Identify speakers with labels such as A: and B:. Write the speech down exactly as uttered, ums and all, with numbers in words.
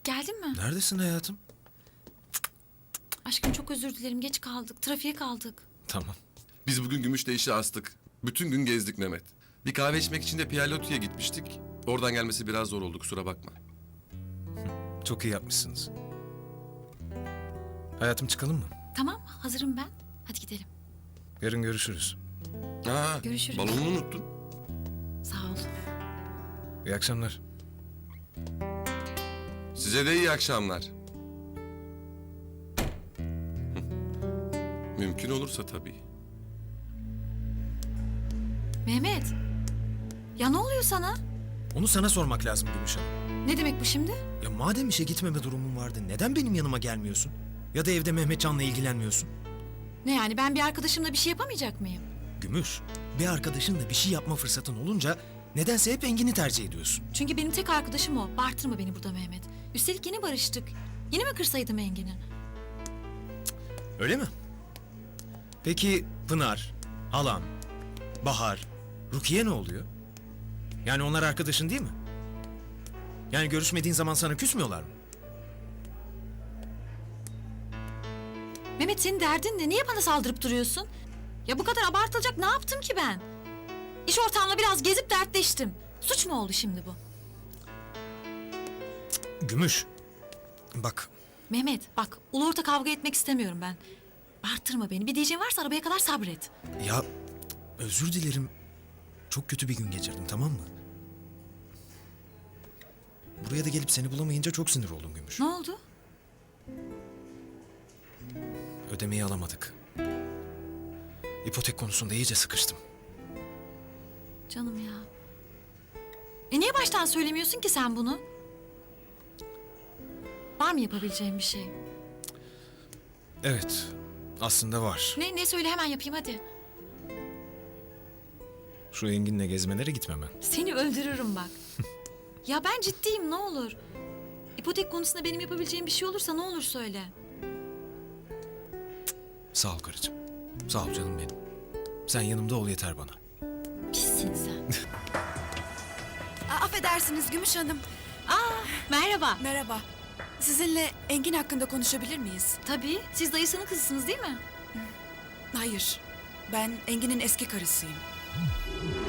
A: geldin mi?
B: Neredesin hayatım?
A: Aşkım çok özür dilerim. Geç kaldık. Trafiğe kaldık.
B: Tamam.
C: Biz bugün Gümüş'te işi astık. Bütün gün gezdik Mehmet. Bir kahve içmek için de Pierre Loti'ye gitmiştik. Oradan gelmesi biraz zor oldu, kusura bakma.
B: Çok iyi yapmışsınız. Hayatım çıkalım mı?
A: Tamam hazırım ben. Hadi gidelim.
B: Yarın görüşürüz.
C: Ha,
A: Görüşürüz.
C: balonunu unuttun.
A: Sağ ol.
B: İyi akşamlar.
C: Size de iyi akşamlar. Hı. Mümkün olursa tabii.
A: Mehmet. Ya ne oluyor sana?
B: Onu sana sormak lazım Gümüş Hanım.
A: Ne demek bu şimdi?
B: Ya madem işe gitmeme durumun vardı, neden benim yanıma gelmiyorsun? Ya da evde Mehmetcan'la ilgilenmiyorsun?
A: Ne yani ben bir arkadaşımla bir şey yapamayacak mıyım?
B: Gümüş, bir arkadaşınla bir şey yapma fırsatın olunca nedense hep Engin'i tercih ediyorsun.
A: Çünkü benim tek arkadaşım o. Bağırtırma beni burada Mehmet. Üstelik yeni barıştık. Yeni mi kırsaydım Engin'i?
B: Öyle mi? Peki Pınar, Halan, Bahar, Rukiye ne oluyor? Yani onlar arkadaşın değil mi? Yani görüşmediğin zaman sana küsmüyorlar mı?
A: Mehmet senin derdin ne? Niye bana saldırıp duruyorsun? Ya bu kadar abartılacak ne yaptım ki ben? İş ortamla biraz gezip dertleştim. Suç mu oldu şimdi bu?
B: Gümüş, bak
A: Mehmet bak ulu orta kavga etmek istemiyorum ben. Bağırtırma beni. Bir diyeceğin varsa arabaya kadar sabret.
B: ya özür dilerim. Çok kötü bir gün geçirdim, tamam mı? Buraya da gelip seni bulamayınca çok sinir oldum Gümüş.
A: Ne oldu?
B: Ödemeyi alamadık. İpotek konusunda iyice sıkıştım.
A: Canım ya. E niye baştan söylemiyorsun ki sen bunu? Var mı yapabileceğim bir şey?
B: Evet, aslında var.
A: Ne ne söyle hemen yapayım hadi.
B: Şu Engin'le gezmelere gitmem ben.
A: Seni öldürürüm bak. Ya ben ciddiyim ne olur. İpotek konusunda benim yapabileceğim bir şey olursa ne olur söyle.
B: Sağ ol karıcığım. Sağ ol canım benim. Sen yanımda ol yeter bana.
A: Pissin sen.
D: Aa, affedersiniz Gümüş Hanım.
A: Aa merhaba.
D: Merhaba. Sizinle Engin hakkında konuşabilir miyiz?
A: Tabii siz dayısının kızısınız değil mi?
D: Hayır. Ben Engin'in eski karısıyım.